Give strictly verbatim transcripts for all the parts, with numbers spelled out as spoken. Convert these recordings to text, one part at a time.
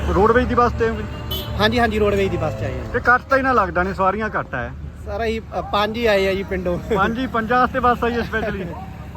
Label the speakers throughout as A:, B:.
A: Roadways की बस ते
B: हाँ जी हाँ जी रोडवेज की बस च आए
A: ते कट तो इन्ना लगता नहीं, सवारियां घट है
B: सर अं पाँच ही आए हैं जी पिंडों
A: पांच ही पंजा वास्ते बस आई है स्पैशली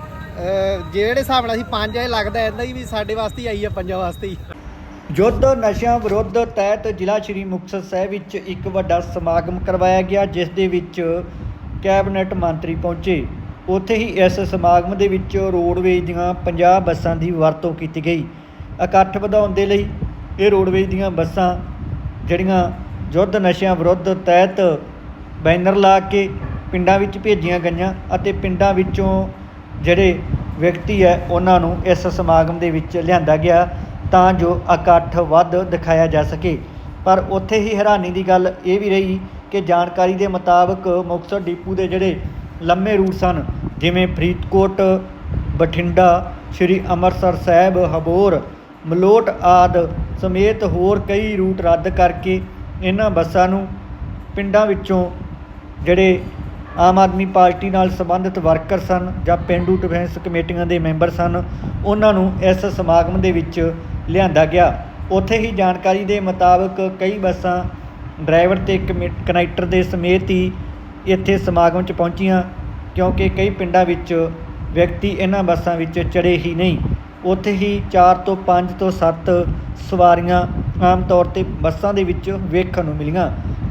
B: ਜਿਹੜੇ ਹਿਸਾਬ ਨਾਲ ਅਸੀਂ ਪੰਜ ਆਏ ਲੱਗਦਾ ਇਦਾਂ ਹੀ ਵੀ ਸਾਡੇ ਵਾਸਤੇ ਹੀ ਆਈ ਆ ਪੰਜਾਂ ਵਾਸਤੇ ਹੀ।
C: ਯੁੱਧ ਨਸ਼ਿਆਂ ਵਿਰੁੱਧ ਤਹਿਤ ਜ਼ਿਲ੍ਹਾ ਸ਼੍ਰੀ ਮੁਕਤਸਰ ਸਾਹਿਬ ਵਿੱਚ ਇੱਕ ਵੱਡਾ ਸਮਾਗਮ ਕਰਵਾਇਆ ਗਿਆ, ਜਿਸ ਦੇ ਵਿੱਚ ਕੈਬਨਿਟ ਮੰਤਰੀ ਪਹੁੰਚੇ। ਉੱਥੇ ਹੀ ਇਸ ਸਮਾਗਮ ਦੇ ਵਿੱਚ ਰੋਡਵੇਜ਼ ਦੀਆਂ ਪੰਜਾਹ ਬੱਸਾਂ ਦੀ ਵਰਤੋਂ ਕੀਤੀ ਗਈ। ਇਕੱਠ ਵਧਾਉਣ ਦੇ ਲਈ ਇਹ ਰੋਡਵੇਜ਼ ਦੀਆਂ ਬੱਸਾਂ ਜਿਹੜੀਆਂ ਯੁੱਧ ਨਸ਼ਿਆਂ ਵਿਰੁੱਧ ਤਹਿਤ ਬੈਨਰ ਲਾ ਕੇ ਪਿੰਡਾਂ ਵਿੱਚ ਭੇਜੀਆਂ ਗਈਆਂ ਅਤੇ ਪਿੰਡਾਂ ਵਿੱਚੋਂ ਜਿਹੜੇ ਵਿਅਕਤੀ ਹੈ ਉਹਨਾਂ ਨੂੰ ਇਸ ਸਮਾਗਮ ਦੇ ਵਿੱਚ ਲਿਆਂਦਾ ਗਿਆ ਤਾਂ ਜੋ ਇਕੱਠ ਵੱਧ ਦਿਖਾਇਆ ਜਾ ਸਕੇ। ਪਰ ਉੱਥੇ ਹੀ ਹੈਰਾਨੀ ਦੀ ਗੱਲ ਇਹ ਵੀ ਰਹੀ ਕਿ ਜਾਣਕਾਰੀ ਦੇ ਮੁਤਾਬਕ ਮੁਕਤਸਰ ਡਿਪੂ ਦੇ ਜਿਹੜੇ ਲੰਮੇ ਰੂਟ ਸਨ, ਜਿਵੇਂ ਫਰੀਦਕੋਟ, ਬਠਿੰਡਾ, ਸ਼੍ਰੀ ਅੰਮ੍ਰਿਤਸਰ ਸਾਹਿਬ, ਹਬੋਰ, ਮਲੋਟ ਆਦਿ ਸਮੇਤ ਹੋਰ ਕਈ ਰੂਟ ਰੱਦ ਕਰਕੇ ਇਹਨਾਂ ਬੱਸਾਂ ਨੂੰ ਪਿੰਡਾਂ ਵਿੱਚੋਂ ਜਿਹੜੇ ਆਮ ਆਦਮੀ ਪਾਰਟੀ ਨਾਲ ਸੰਬੰਧਿਤ ਵਰਕਰ ਸਨ ਜਾਂ ਪੇਂਡੂ ਡਿਫੈਂਸ ਕਮੇਟੀਆਂ ਦੇ ਮੈਂਬਰ ਸਨ, ਉਹਨਾਂ ਨੂੰ ਇਸ ਸਮਾਗਮ ਦੇ ਵਿੱਚ ਲਿਆਂਦਾ ਗਿਆ। ਉੱਥੇ ਹੀ ਜਾਣਕਾਰੀ ਦੇ ਮੁਤਾਬਕ ਕਈ ਬੱਸਾਂ ਡਰਾਈਵਰ ਅਤੇ ਕਨੈਕਟਰ ਦੇ ਸਮੇਤ ਹੀ ਇੱਥੇ ਸਮਾਗਮ 'ਚ ਪਹੁੰਚੀਆਂ, ਕਿਉਂਕਿ ਕਈ ਪਿੰਡਾਂ ਵਿੱਚ ਵਿਅਕਤੀ ਇਹਨਾਂ ਬੱਸਾਂ ਵਿੱਚ ਚੜ੍ਹੇ ਹੀ ਨਹੀਂ। ਉੱਥੇ ਹੀ ਚਾਰ ਤੋਂ ਪੰਜ ਤੋਂ ਸੱਤ ਸਵਾਰੀਆਂ ਆਮ ਤੌਰ 'ਤੇ ਬੱਸਾਂ ਦੇ ਵਿੱਚ ਵੇਖਣ ਨੂੰ ਮਿਲੀਆਂ।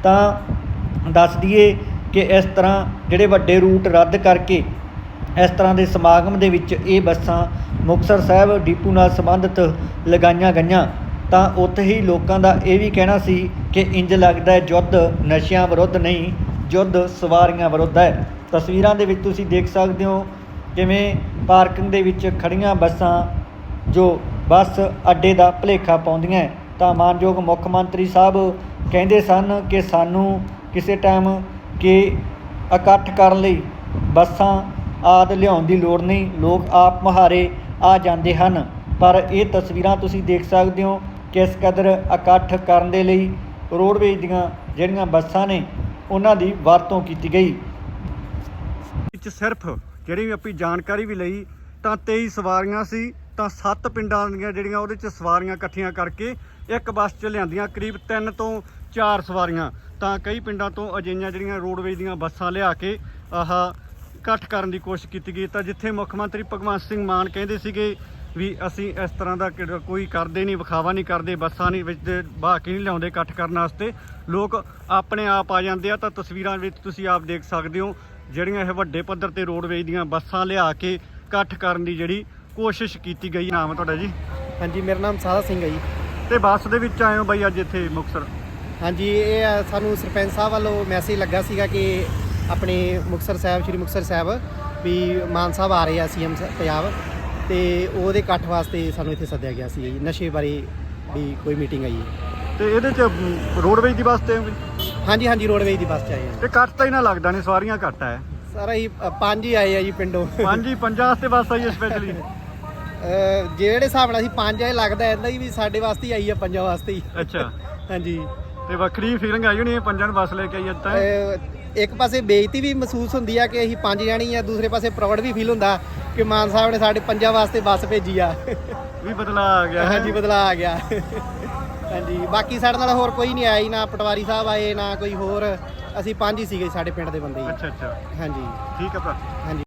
C: ਤਾਂ ਦੱਸ ਦਈਏ ਕਿ ਇਸ ਤਰ੍ਹਾਂ ਜਿਹੜੇ ਵੱਡੇ ਰੂਟ ਰੱਦ ਕਰਕੇ ਇਸ ਤਰ੍ਹਾਂ ਦੇ ਸਮਾਗਮ ਦੇ ਵਿੱਚ ਇਹ ਬੱਸਾਂ ਮੁਕਤਸਰ ਸਾਹਿਬ ਡਿਪੂ ਨਾਲ ਸੰਬੰਧਿਤ ਲਗਾਈਆਂ ਗਈਆਂ ਤਾਂ ਉੱਥੇ ਹੀ ਲੋਕਾਂ ਦਾ ਇਹ ਵੀ ਕਹਿਣਾ ਸੀ ਕਿ ਇੰਜ ਲੱਗਦਾ ਹੈ ਯੁੱਧ ਨਸ਼ਿਆਂ ਵਿਰੁੱਧ ਨਹੀਂ, ਯੁੱਧ ਸਵਾਰੀਆਂ ਵਿਰੁੱਧ ਹੈ। ਤਸਵੀਰਾਂ ਦੇ ਵਿੱਚ ਤੁਸੀਂ ਦੇਖ ਸਕਦੇ ਹੋ ਕਿਵੇਂ ਪਾਰਕਿੰਗ ਦੇ ਵਿੱਚ ਖੜ੍ਹੀਆਂ ਬੱਸਾਂ ਜੋ ਬੱਸ ਅੱਡੇ ਦਾ ਭੁਲੇਖਾ ਪਾਉਂਦੀਆਂ ਹੈ। ਤਾਂ ਮਾਨਯੋਗ ਮੁੱਖ ਮੰਤਰੀ ਸਾਹਿਬ ਕਹਿੰਦੇ ਸਨ ਕਿ ਸਾਨੂੰ ਕਿਸੇ ਟਾਈਮ ਕਿ ਇਕੱਠ ਕਰਨ ਲਈ ਬੱਸਾਂ ਆਦਿ ਲਿਆਉਣ ਦੀ ਲੋੜ ਨਹੀਂ, ਲੋਕ ਆਪ ਮੁਹਾਰੇ ਆ ਜਾਂਦੇ ਹਨ। ਪਰ ਇਹ ਤਸਵੀਰਾਂ ਤੁਸੀਂ ਦੇਖ ਸਕਦੇ ਹੋ ਕਿਸ ਕਦਰ ਇਕੱਠ ਕਰਨ ਦੇ ਲਈ ਰੋਡਵੇਜ਼ ਦੀਆਂ ਜਿਹੜੀਆਂ ਬੱਸਾਂ ਨੇ ਉਹਨਾਂ ਦੀ ਵਰਤੋਂ ਕੀਤੀ ਗਈ।
A: ਵਿੱਚ ਸਿਰਫ ਜਿਹੜੀ ਆਪਣੀ ਜਾਣਕਾਰੀ ਵੀ ਲਈ ਤਾਂ ਤੇਈ ਸਵਾਰੀਆਂ ਸੀ, ਤਾਂ ਸੱਤ ਪਿੰਡਾਂ ਦੀਆਂ ਜਿਹੜੀਆਂ ਉਹਦੇ 'ਚ ਸਵਾਰੀਆਂ ਇਕੱਠੀਆਂ ਕਰਕੇ ਇੱਕ ਬੱਸ 'ਚ ਲਿਆਂਦੀਆਂ ਕਰੀਬ ਤਿੰਨ ਤੋਂ ਚਾਰ ਸਵਾਰੀਆਂ। ਤਾਂ ਕਈ ਪਿੰਡਾਂ ਤੋਂ ਅਜਿਹੀਆਂ ਜਿਹੜੀਆਂ ਰੋਡਵੇਜ਼ ਦੀਆਂ ਬੱਸਾਂ ਲਿਆ ਕੇ ਆਹ ਇਕੱਠ ਕਰਨ ਦੀ ਕੋਸ਼ਿਸ਼ ਕੀਤੀ ਗਈ। ਤਾਂ ਜਿੱਥੇ ਮੁੱਖ ਮੰਤਰੀ ਭਗਵੰਤ ਸਿੰਘ ਮਾਨ ਕਹਿੰਦੇ ਸੀਗੇ ਵੀ ਅਸੀਂ ਇਸ ਤਰ੍ਹਾਂ ਦਾ ਕੋਈ ਕਰਦੇ ਨਹੀਂ, ਵਿਖਾਵਾ ਨਹੀਂ ਕਰਦੇ, ਬੱਸਾਂ ਨਹੀਂ ਵਿੱਚ ਬਹਾ ਕੇ ਨਹੀਂ ਲਿਆਉਂਦੇ ਇਕੱਠ ਕਰਨ ਵਾਸਤੇ, ਲੋਕ ਆਪਣੇ ਆਪ ਆ ਜਾਂਦੇ ਆ। ਤਾਂ ਤਸਵੀਰਾਂ ਵਿੱਚ ਤੁਸੀਂ ਆਪ ਦੇਖ ਸਕਦੇ ਹੋ ਜਿਹੜੀਆਂ ਇਹ ਵੱਡੇ ਪੱਧਰ 'ਤੇ ਰੋਡਵੇਜ਼ ਦੀਆਂ ਬੱਸਾਂ ਲਿਆ ਕੇ ਇਕੱਠ ਕਰਨ ਦੀ ਜਿਹੜੀ ਕੋਸ਼ਿਸ਼ ਕੀਤੀ ਗਈ। ਨਾਮ ਹੈ ਤੁਹਾਡਾ ਜੀ?
B: ਹਾਂਜੀ ਮੇਰਾ ਨਾਮ ਸਾਦਾ ਸਿੰਘ ਹੈ ਜੀ।
A: ਤੇ ਬੱਸ ਦੇ ਵਿੱਚ ਆਏ ਹੋ ਬਾਈ ਅੱਜ ਇੱਥੇ ਮੁਕਤਸਰ?
B: ਹਾਂਜੀ ਇਹ ਸਾਨੂੰ ਸਰਪੰਚ ਸਾਹਿਬ ਵੱਲੋਂ ਮੈਸੇਜ ਲੱਗਾ ਸੀਗਾ ਕਿ ਆਪਣੇ ਮੁਕਤਸਰ ਸਾਹਿਬ ਸ਼੍ਰੀ ਮੁਕਤਸਰ ਸਾਹਿਬ ਵੀ ਮਾਨ ਸਾਹਿਬ ਆ ਰਹੇ ਆ ਸੀ ਐਮ ਪੰਜਾਬ, ਤੇ ਉਹਦੇ ਇਕੱਠ ਵਾਸਤੇ ਸਾਨੂੰ ਇੱਥੇ ਸੱਦਿਆ ਗਿਆ ਸੀ ਜੀ। ਨਸ਼ੇ ਬਾਰੇ ਵੀ ਕੋਈ ਮੀਟਿੰਗ ਆਈ।
A: ਤੇ ਇਹਦੇ 'ਚ ਰੋਡਵੇਜ਼ ਦੀ ਬੱਸ ਤੇ
B: ਹਾਂਜੀ ਹਾਂਜੀ ਰੋਡਵੇਜ਼ ਦੀ ਬੱਸ 'ਚ ਆਏ ਆ।
A: ਤੇ ਕੱਟ ਤਾਂ ਇਹਨਾਂ ਲੱਗਦਾ ਨਹੀਂ, ਸਵਾਰੀਆਂ ਘੱਟ ਹੈ
B: ਸਰ ਅਸੀਂ ਪੰਜ ਹੀ ਆਏ ਆ ਜੀ ਪਿੰਡੋਂ।
A: ਪੰਜ ਹੀ ਪੰਜਾਂ ਵਾਸਤੇ ਬੱਸ ਆਈ ਹੈ ਸਪੈਸ਼ਲੀ
B: ਜਿਹੜੇ ਹਿਸਾਬ ਨਾਲ ਅਸੀਂ ਪੰਜ ਆਏ ਲੱਗਦਾ ਇਦਾਂ ਹੀ ਵੀ ਸਾਡੇ ਵਾਸਤੇ ਹੀ ਆਈ ਆ ਪੰਜਾਂ ਵਾਸਤੇ ਹੀ।
A: ਅੱਛਾ
B: ਹਾਂਜੀ
A: ਤੇ ਵੱਖਰੀ ਫੀਲਿੰਗ ਆਈ ਹੋਣੀ ਪੰਜਾਂ ਨੂੰ ਬੱਸ ਲੈ ਕੇ ਆਈ ਅੱਜ ਤਾਂ?
B: ਇੱਕ ਪਾਸੇ ਬੇਇੱਜ਼ਤੀ ਵੀ ਮਹਿਸੂਸ ਹੁੰਦੀ ਆ ਕਿ ਅਸੀਂ ਪੰਜ ਜਾਣੀ ਆ, ਦੂਸਰੇ ਪਾਸੇ ਪ੍ਰਾਊਡ ਵੀ ਫੀਲ ਹੁੰਦਾ ਕਿ ਮਾਨ ਸਾਹਿਬ ਨੇ ਸਾਡੇ ਪੰਜਾਂ ਵਾਸਤੇ ਬੱਸ ਭੇਜੀ ਆ।
A: ਵੀ ਬਦਲਾ ਆ ਗਿਆ।
B: ਹਾਂਜੀ ਬਦਲਾ ਆ ਗਿਆ। ਹਾਂਜੀ ਬਾਕੀ ਸਾਡੇ ਨਾਲ ਹੋਰ ਕੋਈ ਨਹੀਂ ਆਇਆ ਜੀ, ਨਾ ਪਟਵਾਰੀ ਸਾਹਿਬ ਆਏ ਨਾ ਕੋਈ ਹੋਰ, ਅਸੀਂ ਪੰਜ ਹੀ ਸੀਗੇ ਸਾਡੇ ਪਿੰਡ ਦੇ ਬੰਦੇ।
A: ਅੱਛਾ ਅੱਛਾ
B: ਹਾਂਜੀ
A: ਠੀਕ ਆ ਭਰਾ।
B: ਹਾਂਜੀ।